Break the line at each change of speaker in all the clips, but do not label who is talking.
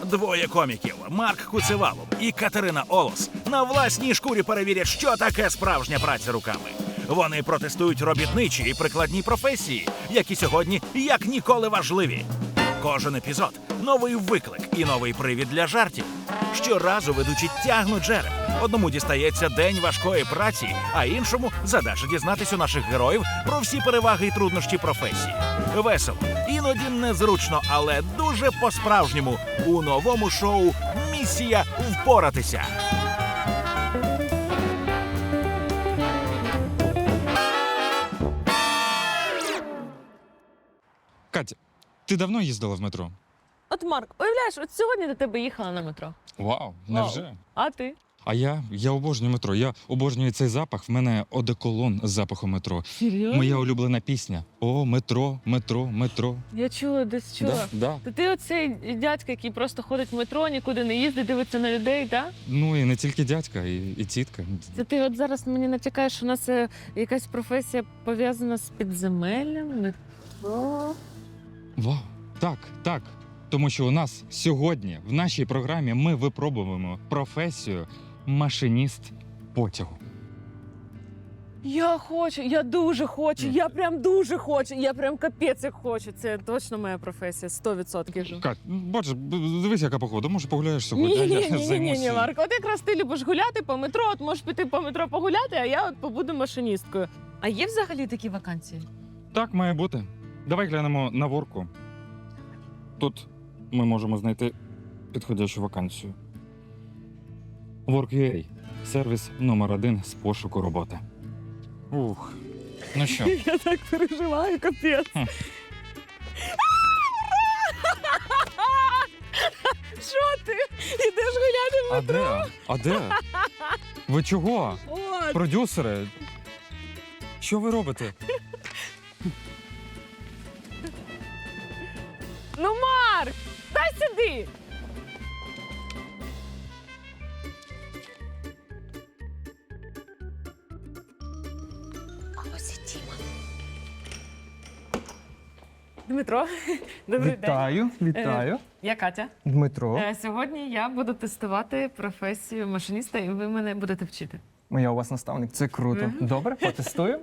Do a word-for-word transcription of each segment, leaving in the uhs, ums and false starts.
Двоє коміків Марк Куцевалов і Катерина Олос на власній шкурі перевірять, що таке справжня праця руками. Вони протестують робітничі і прикладні професії, які сьогодні як ніколи важливі. Кожен епізод – новий виклик і новий привід для жартів. Щоразу ведучі тягнуть жереб. Одному дістається день важкої праці, а іншому – задача дізнатись у наших героїв про всі переваги і труднощі професії. Весело, іноді незручно, але дуже по-справжньому у новому шоу «Місія впоратися».
Катя, ти давно їздила в метро?
От, Марк, уявляєш, от сьогодні до тебе їхала на метро.
Вау, невже?
А ти?
А я, я обожнюю метро. Я обожнюю цей запах. В мене одеколон з запахом метро.
Серйозно?
Моя улюблена пісня. О, метро, метро, метро.
Я чула, десь чула.
Да, да.
То ти оцей дядька, який просто ходить в метро, нікуди не їздить, дивиться на людей, так?
Ну і не тільки дядька, і, і тітка.
Це ти от зараз мені натякаєш, що у нас е, якась професія пов'язана з підземеллям, метро.
Вау, так, так. Тому що у нас сьогодні в нашій програмі ми випробуємо професію машиніст потягу.
Я хочу, я дуже хочу, я прям дуже хочу, я прям капець як хочу. Це точно моя професія, сто відсотків.
Кать, бачиш, дивись, яка погода. Може, погуляєш сьогодні?
Ні,
а
ні,
я
ні, ні, ні,
займусь-
ні, Марко, от якраз ти любиш гуляти по метро, от можеш піти по метро погуляти, а я от побуду машиністкою. А є взагалі такі вакансії?
Так має бути. Давай глянемо на ворку. Тут ми можемо знайти підходящу вакансію. Work.ua – сервіс номер один з пошуку роботи. Ух, ну що?
Я так переживаю, капець.
Хм.
Що ти? Ідеш гуляти в
А
метро?
де? А де? Ви чого?
От.
Продюсери? Що ви робите?
Ну, Марк, дай сюди. А ось і Тіма. Дмитро, добрий день.
Вітаю, вітаю.
Я Катя.
Дмитро,
Е, Сьогодні я буду тестувати професію машиніста, і ви мене будете вчити.
я у вас наставник. Це круто.
Мгм.
Добре, потестую.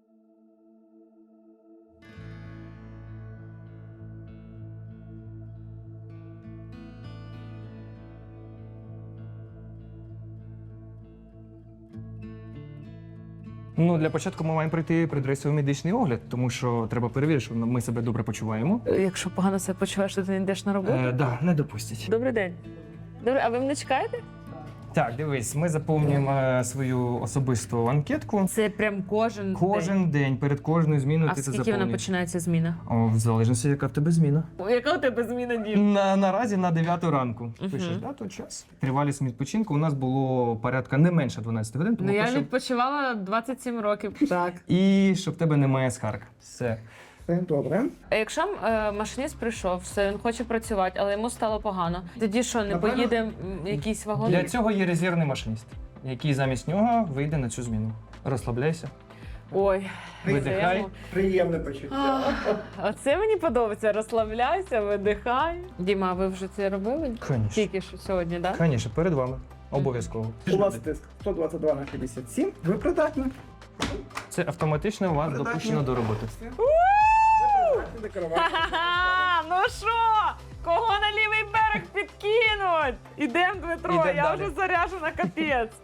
Ну, для початку ми маємо пройти предрейсовий медичний огляд, тому що треба перевірити, що ми себе добре почуваємо.
Е, Якщо погано себе почуваєш, то ти не йдеш на роботу?
Е, да, не допустять.
Добрий день. Добре, а ви мене чекаєте?
Так, дивись, ми заповнюємо е, свою особисту анкетку.
Це прям кожен
Кожен день, перед кожною зміною
А
ти це
скільки вона
заповнюєш.
починається зміна?
О, в залежності, яка в тебе зміна.
Яка у тебе зміна, Дім?
На, наразі на дев'яту ранку.
Мгм.
Пишеш дату, час. Тривалість відпочинку у нас було порядка не менше дванадцяти годин, тому
Ну я
прошу-
відпочивала двадцять сім років. Так.
І щоб в тебе немає скарг. Все. Добре.
А якщо е, машиніст прийшов, все, він хоче працювати, але йому стало погано. Тоді що, не
Напевно,
поїде м, якийсь вагон?
Для цього є резервний машиніст, який замість нього вийде на цю зміну. Розслабляйся.
Ой,
Видихай.
це-
Приємне почуття.
А, Оце мені подобається. Розслабляйся, видихай. Діма, а ви вже це робили?
Звісно.
Тільки що сьогодні, так?
Звісно, перед вами. Обов'язково.
У вас тиск сто двадцять два на п'ятдесят сім. Ви придатні.
Це автоматично вас
Придатні.
допущено до роботи.
Ви придатні до керування.
Ха-ха! Ну що? Кого на лівий берег підкинуть? Ідем, Дмитро,
Ідем
я
далі.
вже заряжена капець.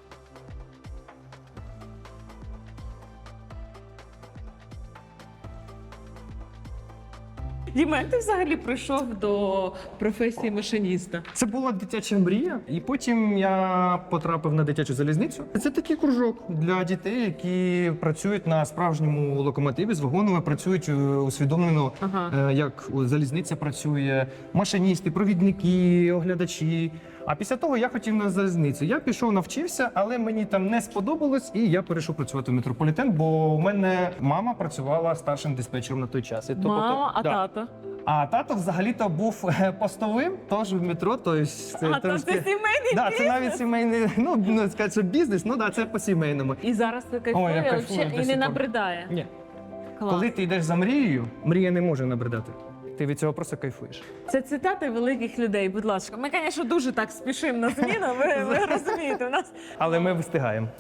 Діма, як ти взагалі прийшов до професії машиніста?
Це була дитяча мрія, і потім я потрапив на дитячу залізницю. Це такий кружок для дітей, які працюють на справжньому локомотиві з вагонами, працюють е, усвідомлено,
Ага.
е, як залізниця працює, машиністи, провідники, оглядачі. А після того я хотів на залізницю. Я пішов, навчився, але мені там не сподобалось, і я перейшов працювати в метрополітен, бо у мене мама працювала старшим диспетчером на той час. І то
Мама,
потім-
а
да.
тато?
А тато взагалі-то був е, постовим, теж в метро. То есть,
А, то це сімейний
да, це
бізнес?
навіть сімейний, ну, ну сказати, що бізнес, ну да, це по-сімейному.
І зараз ти
Ой, я
кайфує,
кайфую
вообще,
до
і
сих
не
пор.
набридає.
Ні.
Клас.
Коли ти йдеш за мрією, мрія не може набридати. Ти від цього просто кайфуєш.
Це цитати великих людей, будь ласка. Ми, звісно, дуже так спішимо на зміну, ви, ви розумієте, у нас
Але ми встигаємо.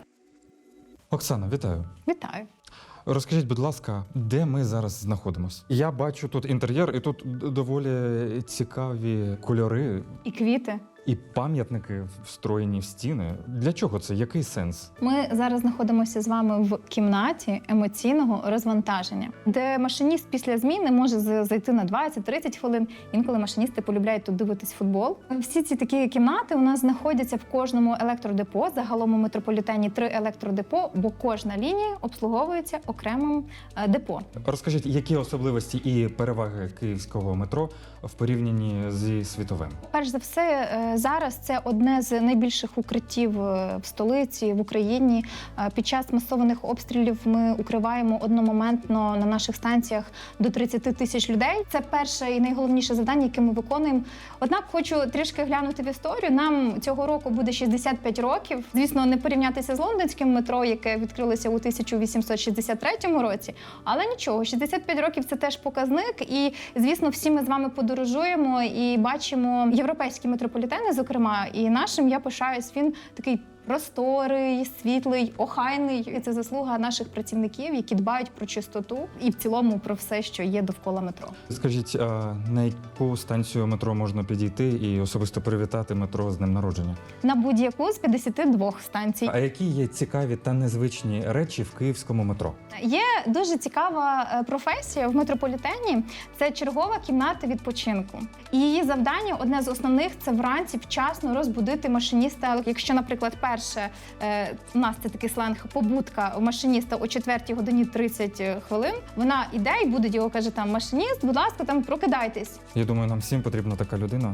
Оксана, вітаю.
Вітаю.
Розкажіть, будь ласка, де ми зараз знаходимося? Я бачу тут інтер'єр, і тут д- доволі цікаві кольори
І квіти.
і пам'ятники встроєні в стіни. Для чого це? Який сенс?
Ми зараз знаходимося з вами в кімнаті емоційного розвантаження, де машиніст після зміни може з- зайти на двадцять-тридцять хвилин. Інколи машиністи полюбляють тут дивитись футбол. Всі ці такі кімнати у нас знаходяться в кожному електродепо. Загалом у метрополітені три електродепо, бо кожна лінія обслуговується окремим е, депо.
Розкажіть, які особливості і переваги київського метро в порівнянні зі світовим?
Перш за все, е, зараз це одне з найбільших укриттів е, в столиці, в Україні. Е, Під час масованих обстрілів ми укриваємо одномоментно на наших станціях до тридцять тисяч людей. Це перше і найголовніше завдання, яке ми виконуємо. Однак хочу трішки глянути в історію. Нам цього року буде шістдесят п'ять років. Звісно, не порівнятися з лондонським метро, яке відкрилося у тисяча вісімсот шістдесят третьому році. Але нічого, шістдесят п'ять років – це теж показник. І, звісно, всі ми з вами подорожуємо і бачимо європейські метрополітени, зокрема, і нашим я пишаюсь. Він такий просторий, світлий, охайний. І це заслуга наших працівників, які дбають про чистоту і в цілому про все, що є довкола метро.
Скажіть, а на яку станцію метро можна підійти і особисто привітати метро з днем народження?
На будь-яку з п'ятдесят двох станцій.
А які є цікаві та незвичні речі в київському метро?
Є дуже цікава е, професія в метрополітені. Це чергова кімната відпочинку. І її завдання, одне з основних, це вранці вчасно розбудити машиніста. Якщо, наприклад, перше е, у нас це такий сленг побудка у машиніста о четвертій годині тридцять хвилин. Вона іде і буде його каже там машиніст, будь ласка, там прокидайтесь.
Я думаю, нам всім потрібна така людина.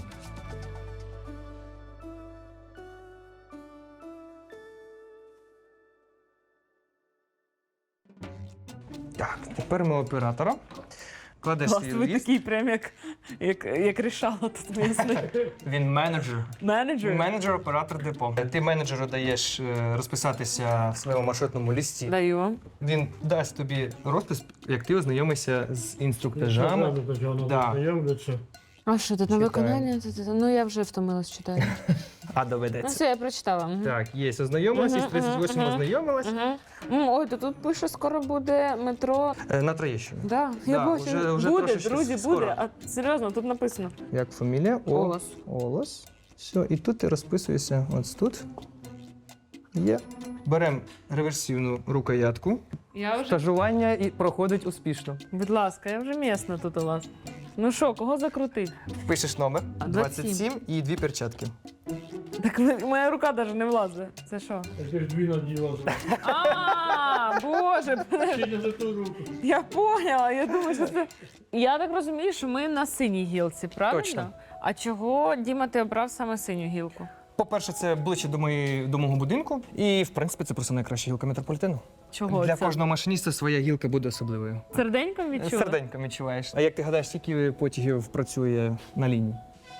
Так, тепер ми оператора. Кладеш
Клас,
свій
ви
ліст.
такий прям як, як, як рішало тут місне.
Він менеджер.
Менеджер?
Менеджер, оператор депо. Ти менеджеру даєш е, розписатися в своєму маршрутному лісті.
Даю вам.
Він дасть тобі розпис, як ти ознайомишся з інструктажами. Да.
А що, тут на
Читаю.
виконання? Ну, я вже втомилась читати.
А
Ну,
доведеться.
все, я прочитала. Мгм.
Так, є, ознайомилась, із
Мгм,
тридцять восьмим
мгм,
ознайомилась.
Мгм. М, Ой, то тут пише, скоро буде метро.
Е, На Троєщину.
Да, я
Да,
бачу.
вже- вже
буде,
трошечки
друзі,
скоро.
буде. А серйозно, тут написано.
Як фамілія? О-
Олос.
Олос. Все, і тут ти розписуєшся ось тут. Є. Беремо реверсивну рукоятку.
Я вже,
Стажування і проходить успішно.
будь ласка, я вже місна тут у вас. Ну що, кого закрутить?
Пишеш номер
А,
двадцять
двадцять
сім і дві перчатки.
Так ви- моя рука навіть не влазить. Це що?
Ти ж дві наділа.
А, боже,
Ще не за ту руку.
я поняла. Я думаю, що це. Я так розумію, що ми на синій гілці, правильно?
Точно.
А чого, Діма, ти обрав саме синю гілку?
По-перше, це ближче до, моєї, до мого будинку. І, в принципі, це просто найкраща гілка метрополітену.
Чого
Для
це?
кожного машиніста своя гілка буде особливою.
Серденьком відчула?
Серденько відчуваєш. А як ти гадаєш, скільки потягів працює на лінії?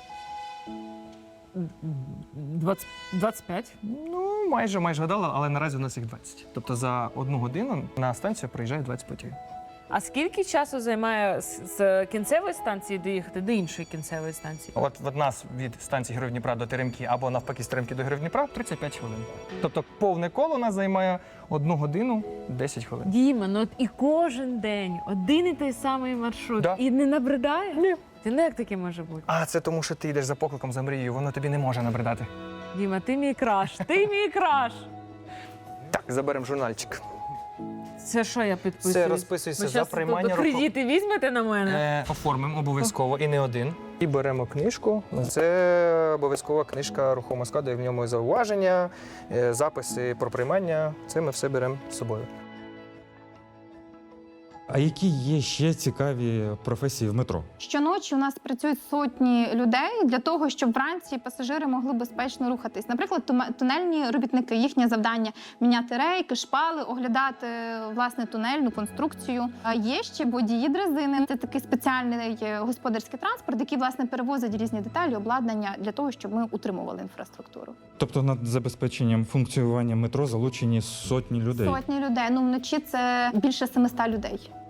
двадцять, двадцять п'ять.
Ну, майже майже гадала, але наразі у нас їх двадцять. Тобто за одну годину на станцію приїжджає двадцять потягів.
А скільки часу займає з, з кінцевої станції доїхати до іншої кінцевої станції?
От від нас від станції Героїв Дніпра до Теремки або навпаки з Теремки до Героїв Дніпра тридцять п'ять хвилин. Тобто повне коло у нас займає одну годину десять хвилин.
Діма, ну от і кожен день один і той самий маршрут.
Да.
І не набридає?
Ні.
Ти не як таке може бути?
А це тому, що ти йдеш за покликом, за мрією, воно тобі не може набридати.
Діма, ти мій краш, ти мій краш.
Так, заберемо журнальчик.
Це що я підписую?
Це розписується
Ви
за
щас
приймання
тут
руху.
кредити візьмете на мене?
Е, оформимо обов'язково і не один. І беремо книжку. Це обов'язкова книжка рухомого складу, і в ньому зауваження, е, записи про приймання. Це ми все беремо з собою.
А які є ще цікаві професії в метро?
Щоночі у нас працюють сотні людей для того, щоб вранці пасажири могли безпечно рухатись. Наприклад, туме- тунельні робітники, їхнє завдання міняти рейки, шпали, оглядати власне тунельну конструкцію. А є ще водії дрезини. Це такий спеціальний е, господарський транспорт, який власне перевозить різні деталі, обладнання для того, щоб ми утримували інфраструктуру.
Тобто над забезпеченням функціонування метро залучені сотні людей.
Сотні людей. Ну вночі це більше семисот людей.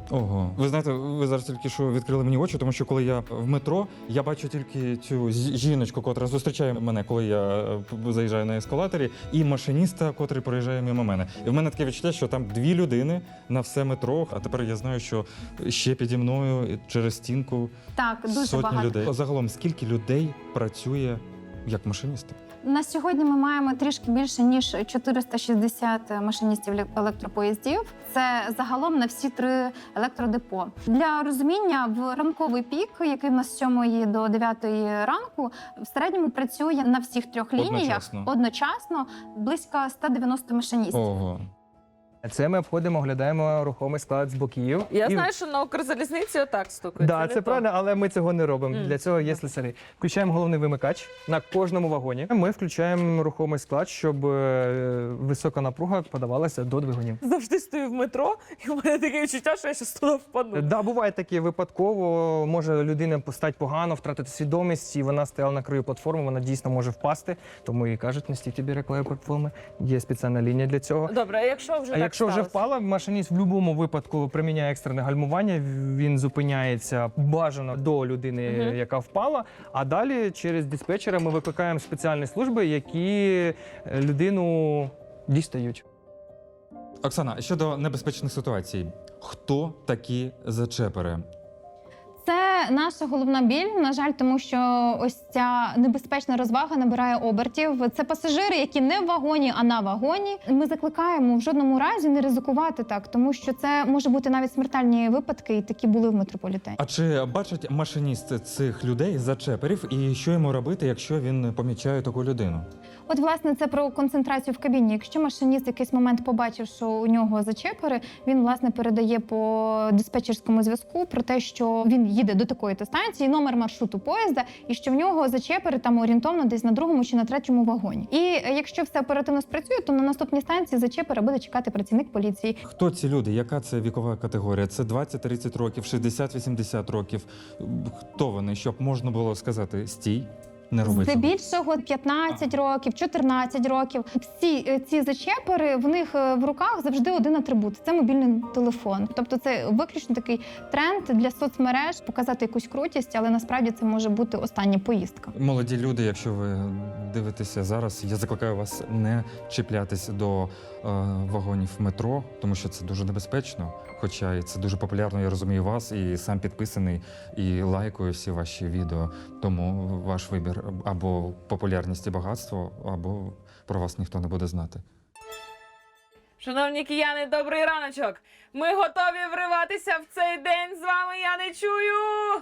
Ого, ви знаєте, ви зараз тільки що відкрили мені очі, тому що коли я в метро, я бачу тільки цю з- жіночку, котра зустрічає мене, коли я е, заїжджаю на ескалаторі, і машиніста, котрий проїжджає мимо мене. І в мене таке відчуття, що там дві людини на все метро. А тепер я знаю, що ще піді мною через стінку
Так, дуже
сотні
багато.
людей. Загалом, скільки людей працює як машиністи?
На сьогодні ми маємо трішки більше ніж чотириста шістдесят машиністів ле- електропоїздів. Це загалом на всі три електродепо. Для розуміння, в ранковий пік, який в нас з сьомої до дев'ятої ранку, в середньому працює на всіх трьох лініях
Одночасно.
одночасно близько ста дев'яноста машиністів.
Ого.
Це ми обходимо, оглядаємо рухомий склад з боків.
Я
І-
знаю, що на Укрзалізниці отак стукають.
Да,
не
це
то.
правильно, але ми цього не робимо.
Мгм.
Для цього є слесарі. Включаємо головний вимикач на кожному вагоні. Ми включаємо рухомий склад, щоб е, висока напруга подавалася до двигунів.
Завжди стою в метро, і в мене таке відчуття, що я щас туди впаду.
Да, буває таке випадково. Може людина постать погано, втратити свідомість, і вона стояла на краю платформи, вона дійсно може впасти. Тому і кажуть, не стійте біля краю платформи. Є спеціальна лінія для цього.
Добре, а якщо вже
А
так
якщо вже
сталося?
впала, машиніст в будь-якому випадку приміняє екстрене гальмування, він зупиняється бажано до людини,
Мгм.
яка впала. А далі через диспетчера ми викликаємо спеціальні служби, які е, людину дістають.
Оксана, щодо небезпечних ситуацій, хто такі зачепери?
Це наша головна біль, на жаль, тому що ось ця небезпечна розвага набирає обертів. Це пасажири, які не в вагоні, а на вагоні. Ми закликаємо в жодному разі не ризикувати так, тому що це може бути навіть смертельні випадки, і такі були в метрополітені.
А чи бачить машиніст цих людей зачеперів, і що йому робити, якщо він помічає таку людину?
От, власне, це про концентрацію в кабіні. Якщо машиніст в якийсь момент побачив, що у нього зачепери, він, власне, передає по диспетчерському зв'язку про те, що він їде до такої-то станції, номер маршруту поїзда, і що в нього зачепери там орієнтовно десь на другому чи на третьому вагоні. І е, якщо все оперативно спрацює, то на наступній станції зачепера буде чекати працівник поліції.
Хто ці люди? Яка це вікова категорія? Це двадцять-тридцять років, шістдесят-вісімдесят років? Хто вони? Щоб можна було сказати «стій», не роби цього?
Здебільшого п'ятнадцять років, чотирнадцять років. Всі е, ці зачепери, в них е, в руках завжди один атрибут – це мобільний телефон. Тобто це виключно такий тренд для соцмереж показати якусь крутість, але насправді це може бути остання поїздка.
Молоді люди, якщо ви дивитеся зараз, я закликаю вас не чіплятись до е, вагонів метро, тому що це дуже небезпечно. Хоча і це дуже популярно, я розумію вас, і сам підписаний, і лайкую всі ваші відео. Тому ваш вибір або популярність і багатство, або про вас ніхто не буде знати.
Шановні кияни, добрий раночок! Ми готові вриватися в цей день. З вами я не чую.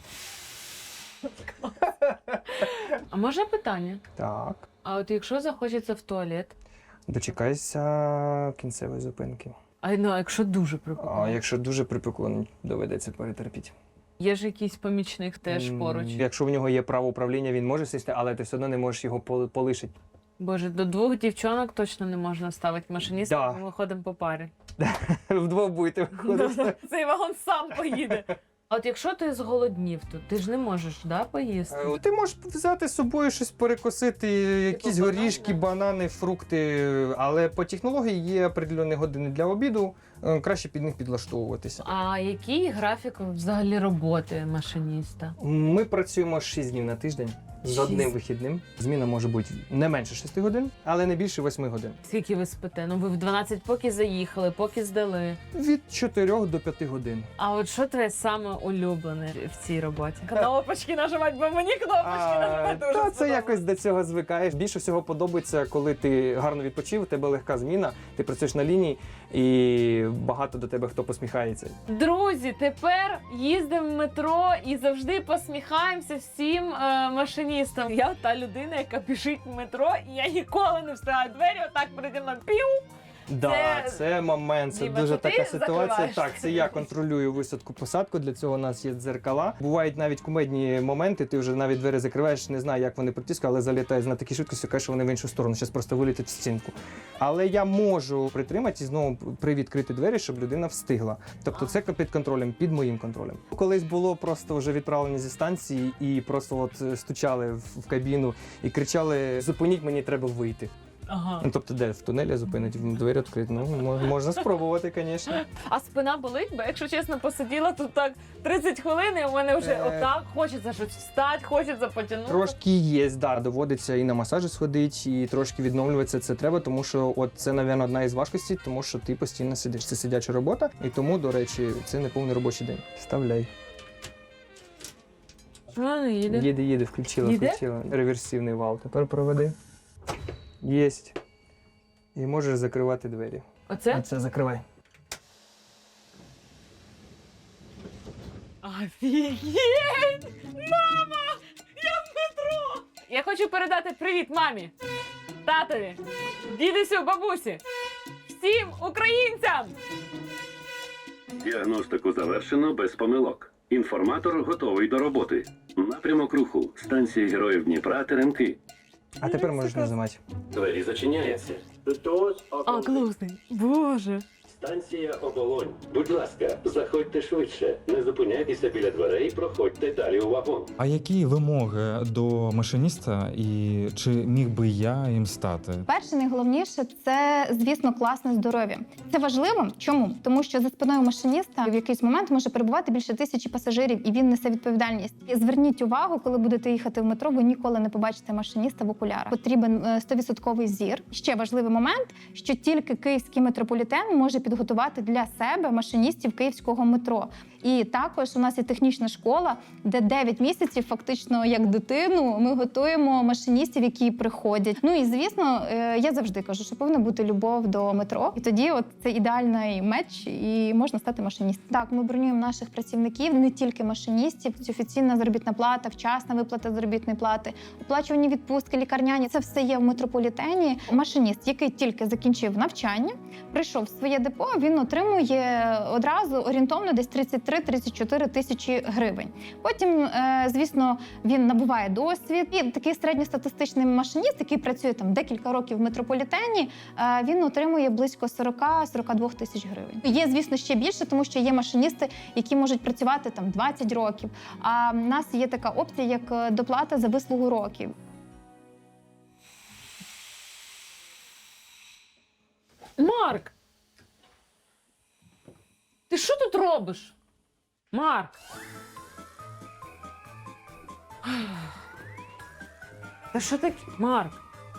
А може питання?
Так,
А от якщо захочеться в туалет?
дочекайся кінцевої зупинки.
А ну, а якщо дуже
А
прикольно?
якщо дуже припекло, доведеться перетерпіти.
Є ж якийсь помічник теж
М,
поруч.
Якщо в нього є право управління, він може сісти, але ти все одно не можеш його пол- полишити.
Боже, до двох дівчонок точно не можна ставити машиніста,
Да.
бо ми ходимо по парі.
Вдвох будете виходити.
Цей вагон сам поїде. А от якщо ти зголоднів тут, ти ж не можеш, да, поїсти?
Е, Ти можеш взяти з собою щось перекусити, якісь
банани?
горішки, банани, фрукти, але по технології є определені години для обіду, е, краще під них підлаштовуватися.
А який графік взагалі роботи машиніста?
Ми працюємо шість днів на тиждень з
Шість.
одним вихідним. Зміна може бути не менше шести годин, але не більше восьми годин.
Скільки ви спите? Ну ви в дванадцять поки заїхали, поки здали.
Від чотирьох до п'яти годин.
А от що твоє саме улюблене в цій роботі? Кнопочки нажимати, бо мені кнопочки нажимати дуже
Та це
сподобалось.
якось до цього звикаєш. Більше всього подобається, коли ти гарно відпочив, у тебе легка зміна, ти працюєш на лінії і багато до тебе хто посміхається.
Друзі, тепер їздимо в метро і завжди посміхаємося всім е, машиністам. Я та людина, яка біжить в метро, і я ніколи не встигаю двері, отак переді мною пів.
Да,
Це-
це момент, це
Діма,
дуже
це ти
така ситуація.
закриваєш?
Так, це я контролюю висадку-посадку, для цього у нас є дзеркала. Бувають навіть кумедні моменти, ти вже навіть двері закриваєш, не знаю, як вони притискають, але залітають на такій швидкості, кажеш, що вони в іншу сторону, зараз просто вилітять в стінку. Але я можу притримати і знову привідкрити двері, щоб людина встигла. Тобто це під контролем, під моїм контролем. Колись було просто вже відправлені зі станції і просто от стучали в в кабіну і кричали: зупиніть, мені треба вийти.
Ага.
Ну, тобто, де в тунелі зупинить, двері відкриті. Ну, мо- можна спробувати, звісно.
А спина болить, бо якщо чесно посиділа тут так тридцять хвилин, і у мене вже
Е.
отак хочеться щось встати, хочеться потягнути.
Трошки є, да, доводиться і на масажі сходити, і трошки відновлюватися це треба, тому що от це, мабуть, одна із важкостей, тому що ти постійно сидиш. Це сидяча робота, і тому, до речі, це не повний робочий день. Вставляй.
А, не їде.
Їде, їде, включила,
Їде?
включила. Реверсивний вал. Тепер проведи. Єсть. І можеш закривати двері.
Оце?
Оце закривай.
Офігеть! Мама! Я в метро! Я хочу передати привіт мамі, татові, дідусю, бабусі, всім українцям!
Діагностику завершено без помилок. Інформатор готовий до роботи. Напрямок руху. Станція Героїв Дніпра, Теремки.
А тепер можеш нажимати.
Двері зачиняються.
А, класний. Боже.
Станція Оболонь. Будь ласка, заходьте швидше. Не зупиняйтеся біля дверей, проходьте далі у вагон.
А які вимоги до машиніста і чи міг би я їм стати?
Перше, найголовніше це, звісно, класне здоров'я. Це важливо. Чому? Тому що за спиною машиніста в якийсь момент може перебувати більше тисячі пасажирів, і він несе відповідальність. І зверніть увагу, коли будете їхати в метро, ви ніколи не побачите машиніста в окулярах. Потрібен сто відсотків зір. Ще важливий момент, що тільки київський метрополітен може підготувати для себе машиністів київського метро. І також у нас є технічна школа, де дев'ять місяців, фактично як дитину, ми готуємо машиністів, які приходять. Ну і звісно, е, я завжди кажу, що повинна бути любов до метро. І тоді от це ідеальний меч, і можна стати машиністом. Так, ми бронюємо наших працівників, не тільки машиністів. Це офіційна заробітна плата, вчасна виплата заробітної плати, оплачувані відпустки, лікарняні. Це все є в метрополітені. Машиніст, який тільки закінчив навчання, прийшов в своє депо, він отримує одразу орієнтовно десь тридцять три - тридцять чотири тисячі гривень. Потім, е, звісно, він набуває досвід. І такий середньостатистичний машиніст, який працює там декілька років в метрополітені, е, він отримує близько сорок - сорок два тисяч гривень. Є, звісно, ще більше, тому що є машиністи, які можуть працювати там двадцять років. А в нас є така опція, як доплата за вислугу років.
Марк! Ти що тут робиш? Марк! Та що таке? Марк?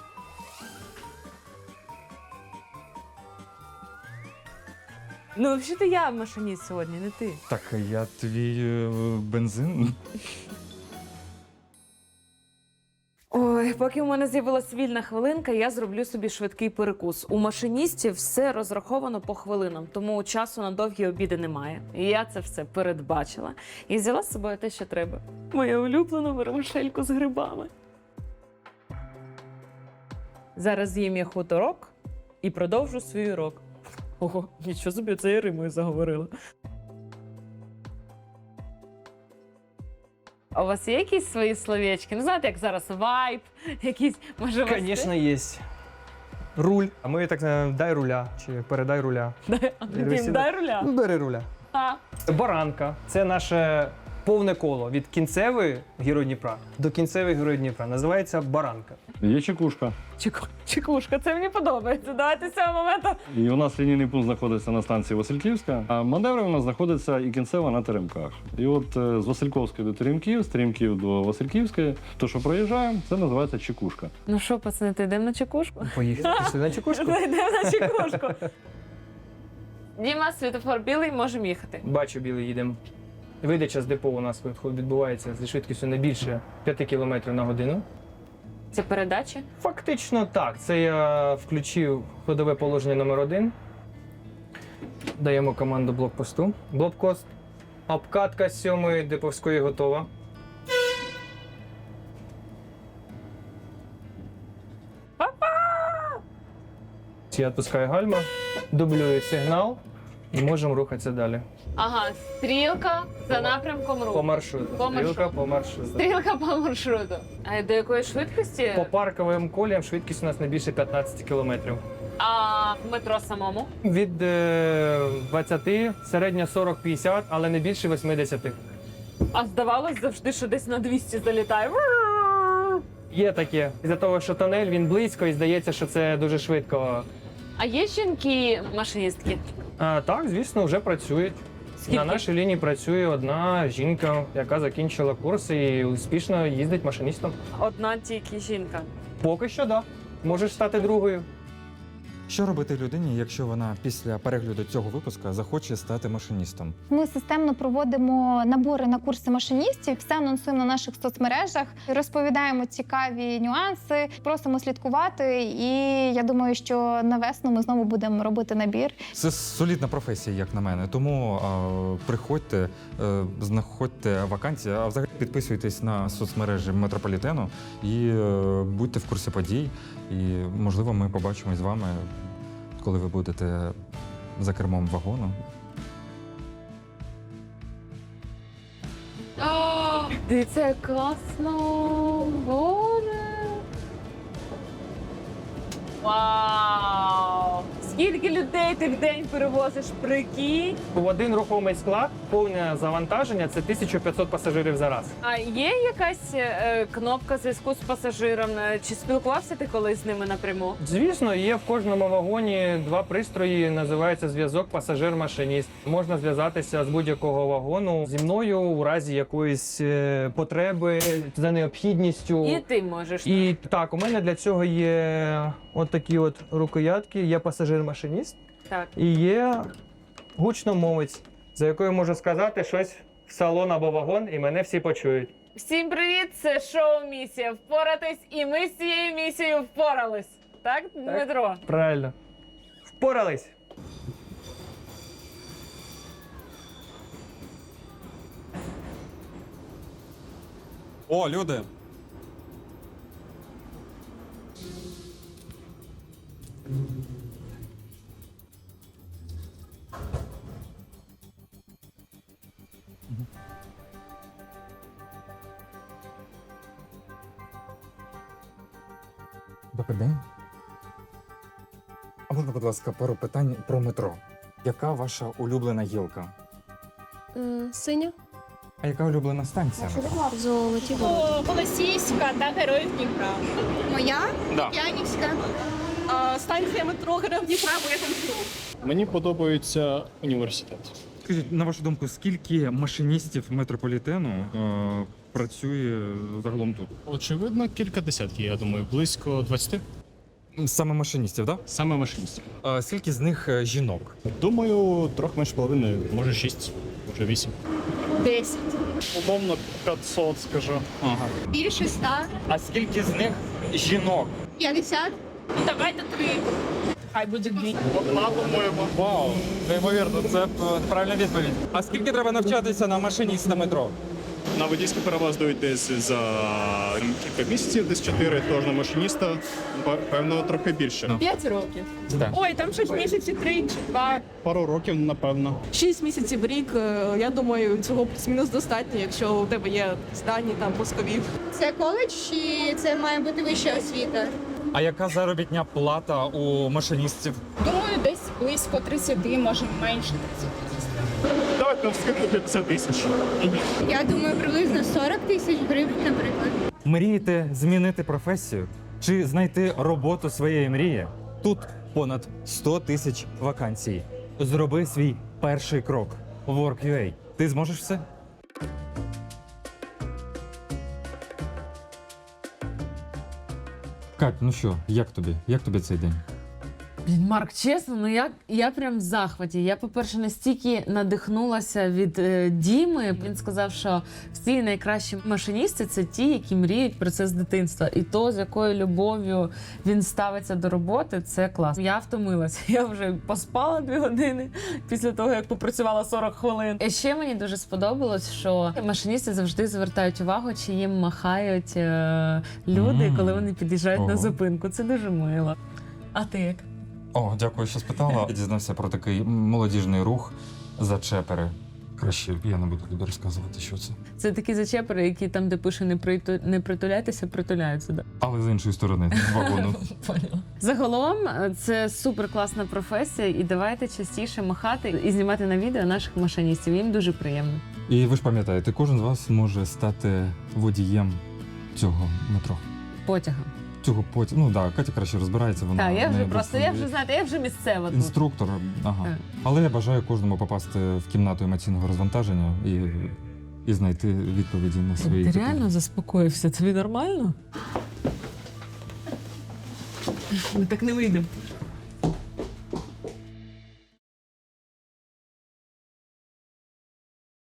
Ну, взагалі я машиніст сьогодні, не ти.
Так, я твій е, бензин.
Ой, поки у мене з'явилась вільна хвилинка, я зроблю собі швидкий перекус. У машиністів все розраховано по хвилинам, тому часу на довгі обіди немає. І я це все передбачила і взяла з собою те, що треба. Мою улюблену вермишельку з грибами. Зараз з'їм я хуторок і продовжу свій урок. Ого, нічого собі, це я римою заговорила. А у вас є якісь свої словечки? Ну, знаєте, як зараз вайб, якісь, може, у вас
Звісно, є. Руль. А ми так е, дай руля чи передай руля.
Дай, Дім, дай руля.
Ну, бери руля.
А.
Баранка це наше повне коло від кінцевої Герой Дніпра до кінцевої Герой Дніпра. Називається баранка.
Є чекушка.
Чеку- Чекушка, це мені подобається. Давайте з цього моменту.
І у нас лінійний пункт знаходиться на станції Васильківська, а маневри у нас знаходиться і кінцева на Теремках. І от е, з Васильківської до Теремків, з Теремків до Васильківської, то, що проїжджаємо, це називається чекушка.
Ну що, пацани, то йдемо на чекушку?
Поїхали сюди на чекушку.
Йдемо на чекушку. Діма, світофор білий, можемо їхати.
Бачу, білий, їдемо. Видача з депо у нас відбувається зі швидкістю не більше п'яти кілометрів на годину.
Це передачі?
Фактично так. Це я включив ходове положення номер один. Даємо команду блокпосту. Блокпост. Обкатка з сьомої деповської готова. Я відпускаю гальма, дублюю сигнал і можемо рухатися далі.
Ага, стрілка за напрямком
По
руху.
маршруту.
По
Стрілка
маршруту.
по маршруту.
Стрілка по маршруту. А до якої швидкості?
По парковим коліям швидкість у нас не більше п'ятнадцять кілометрів.
А в метро самому?
Від е, двадцяти, середня сорок - п'ятдесят, але не більше восьмидесяти.
А здавалось завжди, що десь на двісті залітає.
Є таке. Із-за того, що тунель, він близько і здається, що це дуже швидко.
А є жінки-машиністки?
А, так, звісно, вже працюють.
Скільки?
На нашій лінії працює одна жінка, яка закінчила курси і успішно їздить машиністом.
Одна тільки жінка.
Поки що, так. Да. Можеш стати другою.
Що робити людині, якщо вона після перегляду цього випуску захоче стати машиністом?
Ми системно проводимо набори на курси машиністів, все анонсуємо на наших соцмережах, розповідаємо цікаві нюанси, просимо слідкувати. І я думаю, що на весну ми знову будемо робити набір.
Це солідна професія, як на мене. Тому а, приходьте, е, знаходьте вакансії, а взагалі підписуйтесь на соцмережі метрополітену і е, будьте в курсі подій. І, можливо, ми побачимось з вами, коли ви будете за кермом вагону.
О, дивіться, як класно! Боже! Вау! Скільки людей ти в день перевозиш, прикинь?
В один рухомий склад повне завантаження – це тисяча п'ятсот пасажирів за раз.
А є якась е, кнопка зв'язку з пасажиром? Е, Чи спілкувався ти колись з ними напряму?
Звісно, є в кожному вагоні два пристрої, називається зв'язок пасажир-машиніст. Можна зв'язатися з будь-якого вагону зі мною у разі якоїсь е, потреби за необхідністю.
І ти можеш.
І так, у мене для цього є от такі от рукоятки, є пасажир-машиніст
Так.
і є гучномовець, за якою можу сказати щось в салон або вагон, і мене всі почують.
Всім привіт! Це шоу «Місія впоратись», і ми з цією місією впорались. Так, Дмитро?
Правильно. Впорались.
О, люди! Добрий день. А можна, будь ласка, пару питань про метро. Яка ваша улюблена гілка?
Синя.
А яка улюблена станція?
Золоті ворота.
Голосіївська та Героїв Дніпра. Моя?
Да.
Янівська. А, станція метро Героїв Дніпра, бо я там живу.
Мені подобається університет.
Скажіть, на вашу думку, скільки машиністів метрополітену е, працює загалом тут?
Очевидно, кілька десятків, я думаю, близько двадцяти.
Саме машиністів, так?
Саме машиністів.
Да? А скільки з них е, жінок?
Думаю, трохи менше половини, може шість, може вісім.
Десять.
Умовно п'ятсот, скажу.
Ага.
Більше ста.
А скільки з них жінок?
П'ятдесят. Ну, давайте три. Хай буде дві.
Одна, по-моєму.
Вау, неймовірно, це е, правильна відповідь. А скільки треба навчатися на машиніста метро?
На водійську перевозду десь за кілька місяців, десь чотири, тож на машиніста, певно, трохи більше.
П'ять років.
Так.
Ой, там шість місяців, три чи два.
Пару років, напевно.
Шість місяців в рік, е, я думаю, цього плюс-мінус достатньо, якщо у тебе є здані там пускові.
Це коледж чи це має бути вища освіта?
А яка заробітня плата у машиністів?
Думаю, десь близько тридцяти, може менше тридцяти.
Давайте вскидку п'ятдесят тисяч.
Я думаю, приблизно сорок тисяч гривень, наприклад.
Мрієте змінити професію чи знайти роботу своєї мрії? Тут понад сто тисяч вакансій. Зроби свій перший крок. Work.ua. Ти зможеш все? Кать, ну що, як тобі? Як тобі цей день?
Блін, Марк, чесно, ну я, я прям в захваті. Я, по-перше, настільки надихнулася від е, Діми. Він сказав, що всі найкращі машиністи – це ті, які мріють про це з дитинства. І то, з якою любов'ю він ставиться до роботи, це клас. Я втомилася. Я вже поспала дві години після того, як попрацювала сорок хвилин. І ще мені дуже сподобалось, що машиністи завжди звертають увагу, чи їм махають е, люди,
Мм.
коли вони під'їжджають на
Ого.
зупинку. Це дуже мило. А ти як?
О, дякую, що спитала. Я дізнався про такий молодіжний рух зачепери. Краще я не буду тобі розказувати, що це.
Це такі зачепери, які там, де пише не, приту... не притуляйтеся, притуляються. Да?
Але з іншої сторони, з вагону.
Загалом, це супер класна професія, і давайте частіше махати і знімати на відео наших машиністів. Їм дуже приємно.
І ви ж пам'ятаєте, кожен з вас може стати водієм цього метро.
потяга.
Цього потім, ну так, да, Катя краще розбирається. Вона
Так, я вже
не
просто, я вже знаєте, я вже місцева тут.
інструктор. Ага.
Так.
Але я бажаю кожному попасти в кімнату емоційного розвантаження і, і знайти відповіді на свої
Ти
питання.
реально заспокоївся? Тобі нормально? Ми так не вийдемо.